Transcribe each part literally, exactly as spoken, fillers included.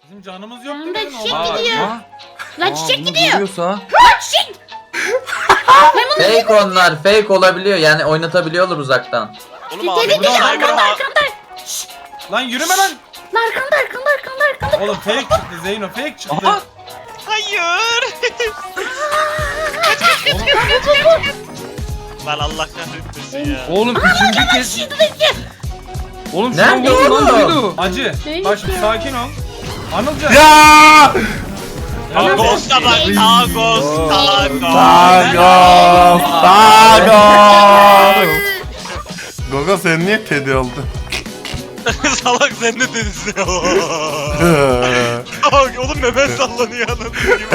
Bizim canımız yok. Yanında demeyin, çiçek olmaz. gidiyor. Ha? Lan Aa, çiçek bunu gidiyor. vuruyorsa- Lan çiçek. Fake onlar, fake olabiliyor yani oynatabiliyorlar uzaktan. Oğlum Deli abi deli burada arkanda Cyber'a arkanda. Lan yürüme lan. Lan arkanda arkanda arkanda arkanda. Oğlum fake çıktı Zeyno, fake çıktı. Aha! hayır. Oğlum, Lan Allah kahretmesin ya. Oğlum ikinci kez. Oğlum şu an Nerede vurdu lan oğlum? duydu. acı. Neymiş Bak şimdi ya? sakin ol. Anılcan. Ya! Tagos da bak. Tagos. Tagos. Tagos! Tagos! Gogo sen niye Teddy oldun? Salak sen ne dedin ya? Oğlum memem sallanıyor anladın gibi.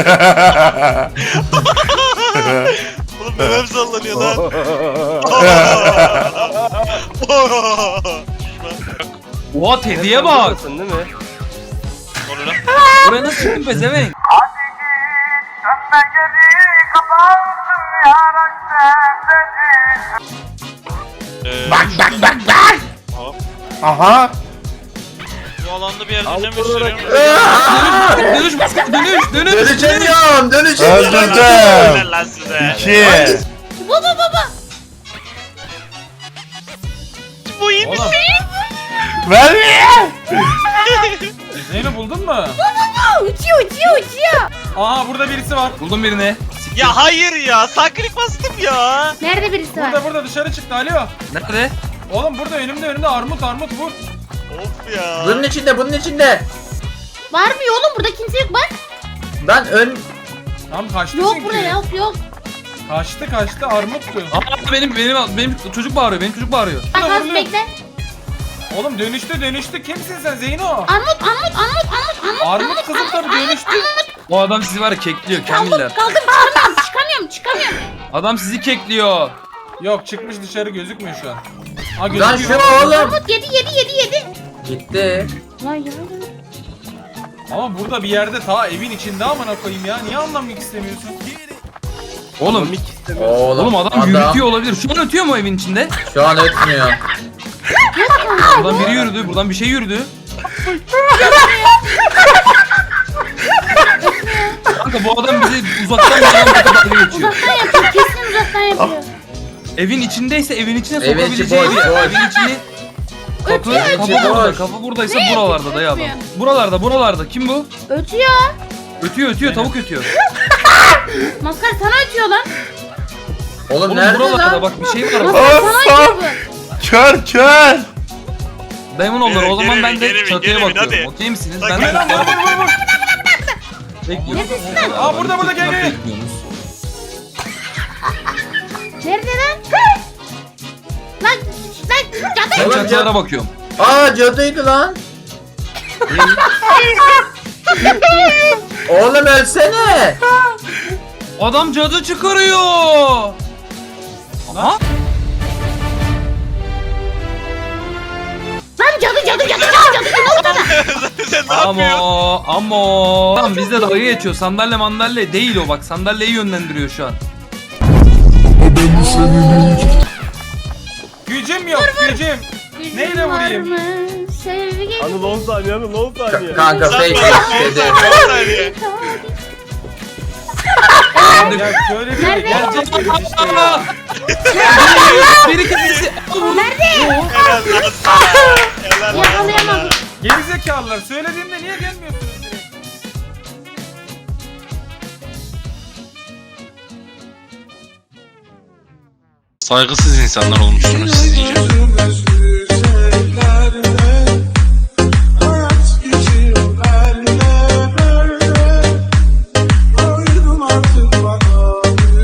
Oğlum memem sallanıyor lan. Oha Teddy'ye bak. Değil mi? Onu lan. Buraya nasıl çıktın pezevenk? Ee, Bak bak bak bak! hop. Aha! Bu alanda bir yer dönemi sürüyorum. Dönüş dönüş dönüş dönüş. Dönüşemiyorum, dönüşemiyorum. Öldürdüm! Helal lan size. İki! Baba baba. Bu iyi bir Oğlum. Vermiyor! Zeyno buldun mu? Aa, uçuyor uçuyor uçuyor. Aha burada birisi var. Buldum birini. Ya hayır ya. Sakrik bastım ya. Nerede birisi var? Burada burada dışarı çıktı. Alo. Nerede? Oğlum burada önümde önümde armut armut vur. Of ya. Bunun içinde, bunun içinde. Var mı oğlum burada kimse yok bak. Ben ön... Tam kaçtı Yok çünkü. burada yok yok. Kaçtı kaçtı armuttu. Aa benim benim benim çocuk bağırıyor. Benim çocuk bağırıyor. Bak Burada az vuruyor. bekle. Oğlum dönüştü dönüştü. Kimsin sen Zeyno? Armut armut armut armut armut. Armut kızım tabii dönüştü. O adam sizi var ya kekliyor Kamiller. Kaldım çıkamıyorum çıkamıyorum çıkamıyorum. Adam sizi kekliyor. Yok çıkmış dışarı gözükmüyor şu an. Ha Lan gözüküyor. şu oğlum. Armut yedi yedi yedi yedi. Gitti. Lan ya. Ama burada bir yerde ta evin içinde amına koyayım ya. Niye anlamak istemiyorsun? Oğlum Oğlum, oğlum adam, yürütüyor olabilir. Şu an ötüyor mu evin içinde? Şu an ötmüyor. Buradan biri yürüdü. Buradan bir şey yürüdü. Kanka bu adam bizi uzaktan bir adam dalga geçiyor. Uzaktan yapıyor kesin uzaktan yapıyor. Evin içindeyse evin içine Evin içi sokabileceği boş, bir boş. evin içini kapı Ötüyor, kapı ötüyor. burada. Kapı buradaysa Ne? buralarda dayı adam. Ötmüyor. Buralarda buralarda. Kim bu? Ötüyor. Ötüyor ötüyor tavuk ötüyor. Maskar sana ötüyor lan. Oğlum, Oğlum nerede buralarda lan? bak bir şey var. Maskar sana ötüyor Of! bu. Kör kör! Dayımın onları o Geri, zaman geri, ben de geri, çatıya geri, bakıyorum. hadi. Okey misiniz? Bak, Ben gel de lan, çatıya Vur vur vur vur. bekliyorum. Neredesin lan? Aa burada burada gel gel. Bekliyorsunuz. Nerede lan? Lan lan cadı. Ben Oğlum, çatılara bakıyorum. Aa cadıydı lan. Oğlum ölsene. Adam cadı çıkarıyor. Aha. Lan cadı cadı cadı cadı cadı ne oldu lan? Sen ne yapıyorsun? Amo amo. Tamam bizde dalga geçiyor. Sandalye mandalye değil o bak. Sandalyeyi yönlendiriyor şu an. Gücüm yok gücüm. Neyle vurayım? Var mı? Sevgi. Anıl on saniye, Anıl on saniye. Ka- kanka Sen fake bana dedi. on saniye. Ya şöyle bir Nerede? gelecek gibi işte ya. Aa! Biri kendisi. Nerede? Helal lan sana. Helal lan Yakalayamadım. sana. Gerizekalılar söylediğimde niye gelmiyorsunuz direkt? Saygısız insanlar olmuşsunuz siz iyice.